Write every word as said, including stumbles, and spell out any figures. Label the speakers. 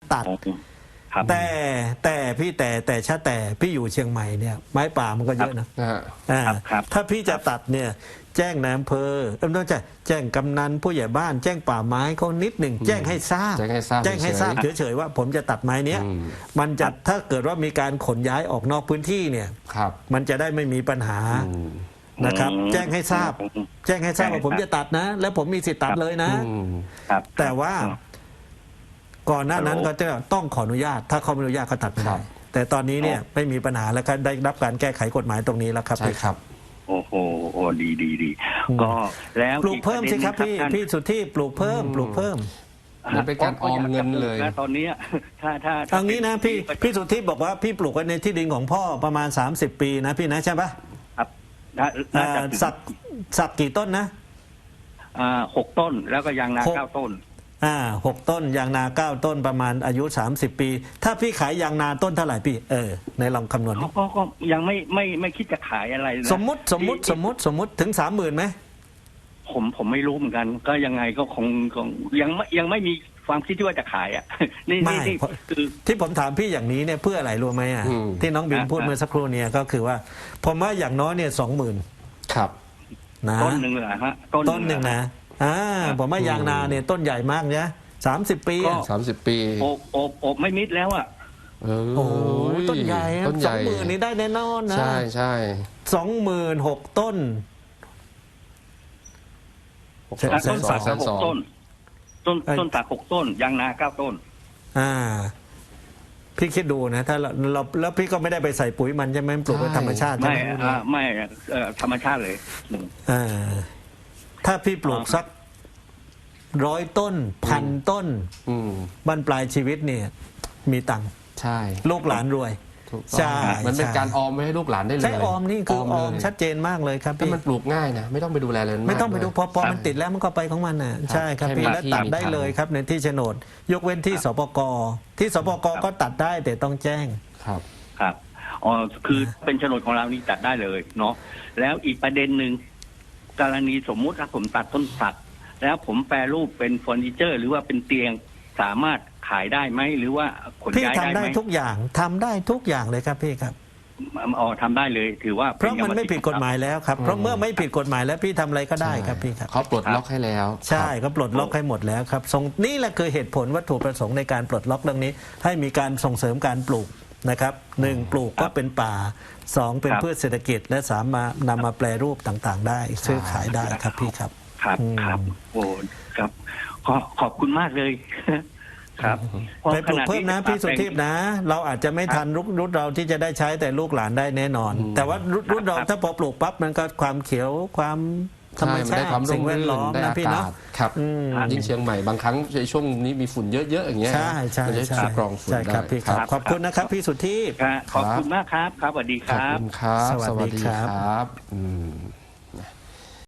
Speaker 1: ตัดแต่แต่พี่แต่แต่ชาแต่พี่อยู่เชียงใหม่เนี่ยไม้ป่ามันก็เยอะนะอ่าถ้าพี่จะตัดเนี่ยแจ้งนายอำเภอเออต้องจะแจ้งกำนันผู้ใหญ่บ้านแจ้งป่าไม้เขานิดหนึ่งแจ้งให้ทราบ
Speaker 2: แจ้งให้ทราบ
Speaker 1: แจ้งให้ทราบเฉยๆว่าผมจะตัดไม้เนี้ยมันจะถ้าเกิดว่ามีการขนย้ายออกนอกพื้นที่เนี่ยมันจะได้ไม่มีปัญหานะครับแจ้งให้ทราบแจ้งให้ทราบว่าผมจะตัดนะแล้วผมมีสิทธิ์ตัดเลยนะแต่ว่าก่อนหน้านั้นก็จะต้องขออนุญาตถ้าเขาไม่อนุญาตก็ตัดไม่ได้แต่ตอนนี้เนี่ยไม่มีปัญหาแล้วครับได้รับการแก้ไขกฎหมายตรงนี้แล้วครับ
Speaker 2: ใช่ครับ
Speaker 3: โอ้โหโอ้ดีดีดีก็แล้ว
Speaker 1: ปลูกเพิ่มสิครับพี่พี่สุทธิปลูกเพิ่มปลูกเพิ่ม
Speaker 2: มันเป็นการออมเงินเลย
Speaker 3: ตอนนี้ถ้าถ้า
Speaker 1: ทางนี้นะพี่พี่สุทธิบอกว่าพี่ปลูกไว้ในที่ดินของพ่อประมาณสามสิบปีนะพี่นะใช่ปะ
Speaker 3: ครับ
Speaker 1: สักสักกี่ต้นนะ
Speaker 3: อ่าหกต้นแล้วก็ยางนาเก้าต้น
Speaker 1: อ่าหกต้นยางนาเก้าต้นประมาณอายุสามสิบปีถ้าพี่ขายยางนาต้นเท่าไหร่พี่เออในลองคำนวณ
Speaker 3: ก็ก็ยังไม่ไม่ไม่คิดจะขายอะไร
Speaker 1: สมมติสมมติสมมติสมมติถึงสามหมื่นไหม
Speaker 3: ผมผมไม่รู้เหมือนกันก็ยังไงก็คงคงยังไม่ยังไม่มีความคิดที่ว่าจะขายอ่ะนี่
Speaker 1: นี่คือที่ผมถามพี่อย่างนี้เนี่ยเพื่ออะไรรู้ไหมอ่ะที่น้องบิมพูดเมื่อสักครู่เนี่ยก็คือว่าผมว่าอย่างน้อยเนี่ยสองหมื่น
Speaker 2: ครับ
Speaker 1: นะ
Speaker 3: ต้นหนึ่งเหรอฮะ
Speaker 1: ต้นหนึ่งนะอ่าผมว่ายางนาเนี่ยต้นใหญ่มากเนี่ยสามสิบปี
Speaker 2: สามสิบปี
Speaker 3: โอบโอบโอบไม่มิดแล้วอ่ะ
Speaker 1: โอ้ต้นใหญ่สองหมื่นนี่ได้แน่นอนนะ
Speaker 2: ใช่ใช่
Speaker 1: สองหมื่นหกต้น
Speaker 3: ต้นสักหกต้นต้นต้นสักหกต้นยางนาเก้าต้น
Speaker 1: อ่าพี่คิดดูนะถ้าเราเราแล้วพี่ก็ไม่ได้ไปใส่ปุ๋ยมันใช่ไหมปลูกเป็นธรรมชาติ
Speaker 3: ไม่ไม่ธรรมชาติเลย
Speaker 1: อ่าถ้าพี่ปลูกสักร้อยต้นพันต้นบรรปลายชีวิตเนี่ยมีตังค์
Speaker 2: ใช่
Speaker 1: ลูกหลานรวย
Speaker 2: ใช่มันเป็นการออมไว้ให้ลูกหลานได้เลย
Speaker 1: ใช่ออมนี่คือออมชัดเจนมากเลยครับพี่
Speaker 2: มันปลูกง่ายนะไม่ต้องไปดูแลเลย
Speaker 1: ไม่ต้องไปดูพอพอมันติดแล้วมันก็ไปของมันน่ะใช่ครับพี่แล้วตัดได้เลยครับในที่โฉนดยกเว้นที่สปกที่สปกก็ตัดได้แต่ต้องแจ้ง
Speaker 2: ครับ
Speaker 3: ครับอ๋อคือเป็นโฉนดของเรานี่ตัดได้เลยเนาะแล้วอีกประเด็นหนึ่งกรณีสมมุติถ้าผมตัดต้นสักแล้วผมแปรรูปเป็นเฟอร์นิเจอร์หรือว่าเป็นเตียงสามารถขายได้ไหมหรือว่าขนย้ายได้ไหม
Speaker 1: พี่ทำได้ทุกอย่างทำได้ทุกอย่างเลยครับพี่ครับ
Speaker 3: อ๋อทำได้เลยถือว่า
Speaker 1: เพราะมันไม่ผิดกฎหมายแล้วครับเพราะเมื่อไม่ผิดกฎหมายแล้วพี่ทำอะไรก็ได้ครับพี่ครับ
Speaker 2: เขาปลดล็อกให้แล้ว
Speaker 1: ใช่เขาปลดล็อกให้หมดแล้วครับนี่แหละคือเหตุผลวัตถุประสงค์ในการปลดล็อกเรื่องนี้ให้มีการส่งเสริมการปลูกนะครับหนึ่งปลูกก็เป็นป่าสองเป็นพืชเศรษฐกิจและสามารถนำมาแปรรูปต่างๆได้ซื้อขายได้ครับพี่ครับ
Speaker 3: ครับครับโอ้ครับขอขอบคุณมากเลยครับ
Speaker 1: ไปปลูกเพิ่มนะพี่สุทิพย์นะเราอาจจะไม่ทันรุ่นเราที่จะได้ใช้แต่ลูกหลานได้แน่นอนแต่ว่ารุ่นเราถ้าพอปลูกปั๊บมันก็ความเขียวความธรรมชาติสิ่งแวดล้อมนะพี่เนาะ
Speaker 2: ครับยิ่งเชียงใหม่บางครั้งในช่วงนี้มีฝุ่นเยอะๆอย่างเงี้ย
Speaker 1: ใช่ใช่ใช่
Speaker 2: กรองฝุ่นได้
Speaker 1: ครับพี่ครับขอบคุณนะครับพี่สุทิพย์
Speaker 3: ขอบคุณมากครับครับสวัสดีครับ
Speaker 2: ขอบคุณครับสวัสดีครับ